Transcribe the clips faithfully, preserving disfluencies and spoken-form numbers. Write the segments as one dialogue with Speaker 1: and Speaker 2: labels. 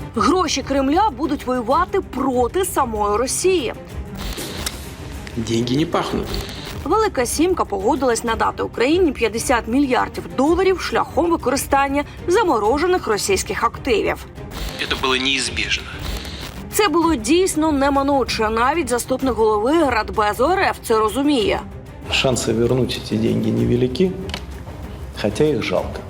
Speaker 1: Гроші Кремля будуть воювати проти самої Росії.
Speaker 2: Деньги не пахнут.
Speaker 1: Велика Сімка погодилась надати Україні п'ятдесят мільярдів доларів шляхом використання заморожених російських активів.
Speaker 2: Это было неизбежно.
Speaker 1: Це було дійсно неминуче. Навіть заступник голови Радбезу РФ це розуміє.
Speaker 3: Шансы вернуть эти деньги невелики, хотя их жалко.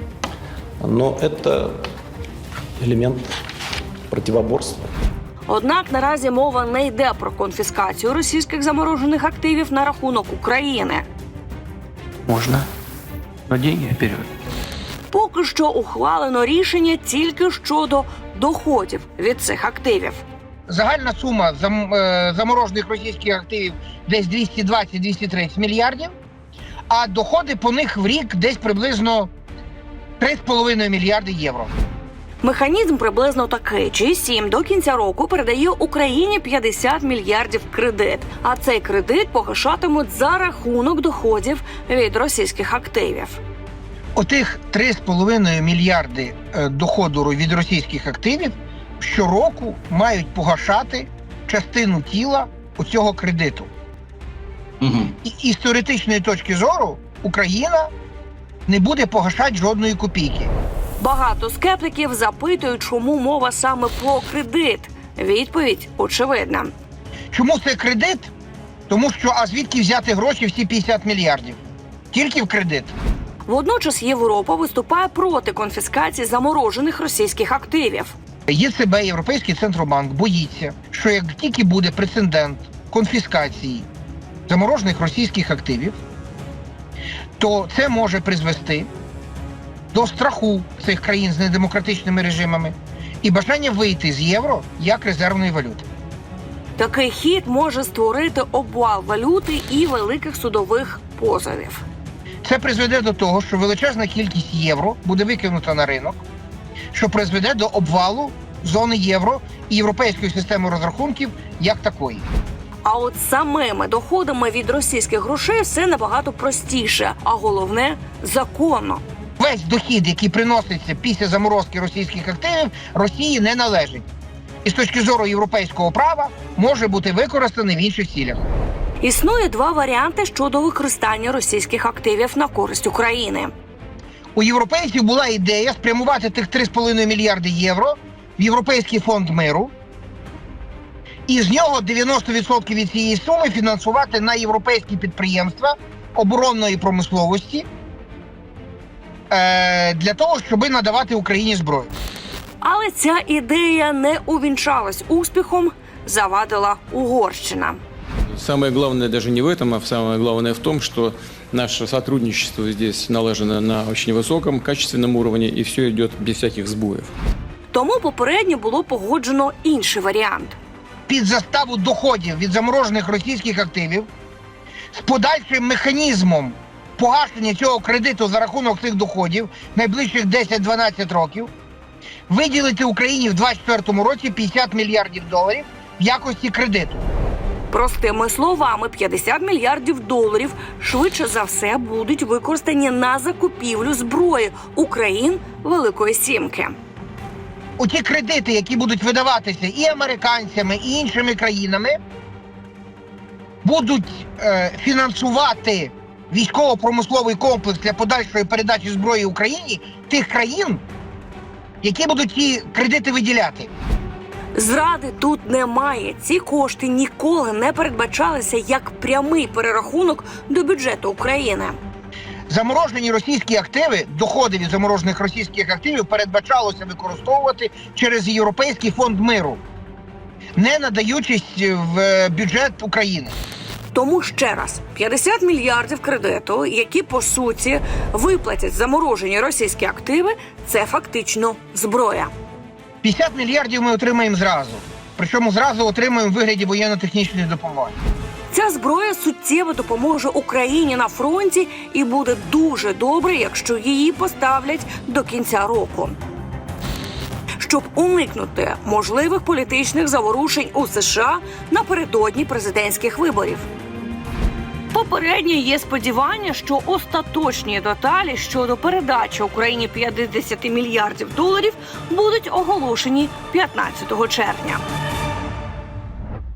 Speaker 3: Но это элемент противоборства.
Speaker 1: Однак наразі мова не йде про конфіскацію російських заморожених активів на рахунок України.
Speaker 4: Можно, но деньги вперед.
Speaker 1: Поки що ухвалено рішення тільки щодо доходів від цих активів.
Speaker 5: Загальна сума зам, е, заморожених російських активів десь двісті двадцять - двісті тридцять мільярдів, а доходи по них в рік десь приблизно три з половиною мільярди євро.
Speaker 1: Механізм приблизно такий. джі сім до кінця року передає Україні п'ятдесят мільярдів кредит, а цей кредит погашатимуть за рахунок доходів від російських активів.
Speaker 5: Отих три з половиною мільярди е, доходу від російських активів щороку мають погашати частину тіла оцього кредиту.
Speaker 4: Угу.
Speaker 5: І, і з теоретичної точки зору Україна не буде погашати жодної копійки.
Speaker 1: Багато скептиків запитують, чому мова саме про кредит. Відповідь очевидна.
Speaker 5: Чому це кредит? Тому що, а звідки взяти гроші всі п'ятдесят мільярдів? Тільки в кредит.
Speaker 1: Водночас Європа виступає проти конфіскації заморожених російських активів.
Speaker 5: ЄЦБ, Європейський Центробанк, боїться, що як тільки буде прецедент конфіскації заморожених російських активів, то це може призвести до страху цих країн з недемократичними режимами і бажання вийти з євро як резервної валюти.
Speaker 1: Такий хід може створити обвал валюти і великих судових позовів.
Speaker 5: Це призведе до того, що величезна кількість євро буде викинута на ринок, що призведе до обвалу зони євро і європейської системи розрахунків як такої.
Speaker 1: А от самими доходами від російських грошей все набагато простіше, а головне – законно.
Speaker 5: Весь дохід, який приноситься після заморозки російських активів, Росії не належить. І з точки зору європейського права може бути використаний в інших цілях.
Speaker 1: Існує два варіанти щодо використання російських активів на користь України.
Speaker 5: У європейців була ідея спрямувати тих три з половиною мільярди євро в Європейський фонд миру і з нього дев'яносто відсотків від цієї суми фінансувати на європейські підприємства оборонної промисловості е- для того, щоб надавати Україні зброю.
Speaker 1: Але ця ідея не увінчалась успіхом, завадила Угорщина.
Speaker 2: Самое главное даже не в этом, а самое главное в том, что наше сотрудничество здесь налажено на очень высоком, качественном уровне, и все идет без всяких сбоев.
Speaker 1: Тому попередньо було погоджено інший варіант.
Speaker 5: Під заставу доходів від заморожених російських активів з подальшим механізмом погашення цього кредиту за рахунок цих доходів найближчих десять-дванадцять років виділити Україні в двадцять четвертому році п'ятдесят мільярдів доларів в якості кредиту.
Speaker 1: Простими словами, п'ятдесят мільярдів доларів швидше за все будуть використані на закупівлю зброї у країн Великої Сімки.
Speaker 5: Оті кредити, які будуть видаватися і американцями, і іншими країнами, будуть е, фінансувати військово-промисловий комплекс для подальшої передачі зброї Україні тих країн, які будуть ті кредити виділяти.
Speaker 1: Зради тут немає. Ці кошти ніколи не передбачалися як прямий перерахунок до бюджету України.
Speaker 5: Заморожені російські активи, доходи від заморожених російських активів передбачалося використовувати через Європейський фонд миру, не надаючись в бюджет України.
Speaker 1: Тому ще раз, п'ятдесят мільярдів кредиту, які, по суті, виплатять заморожені російські активи, це фактично зброя.
Speaker 5: п'ятдесят мільярдів ми отримаємо зразу. Причому зразу отримаємо в вигляді воєнно-технічної допомоги.
Speaker 1: Ця зброя суттєво допоможе Україні на фронті і буде дуже добре, якщо її поставлять до кінця року. Щоб уникнути можливих політичних заворушень у США напередодні президентських виборів. Попередньо є сподівання, що остаточні деталі щодо передачі Україні п'ятдесят мільярдів доларів будуть оголошені п'ятнадцятого червня.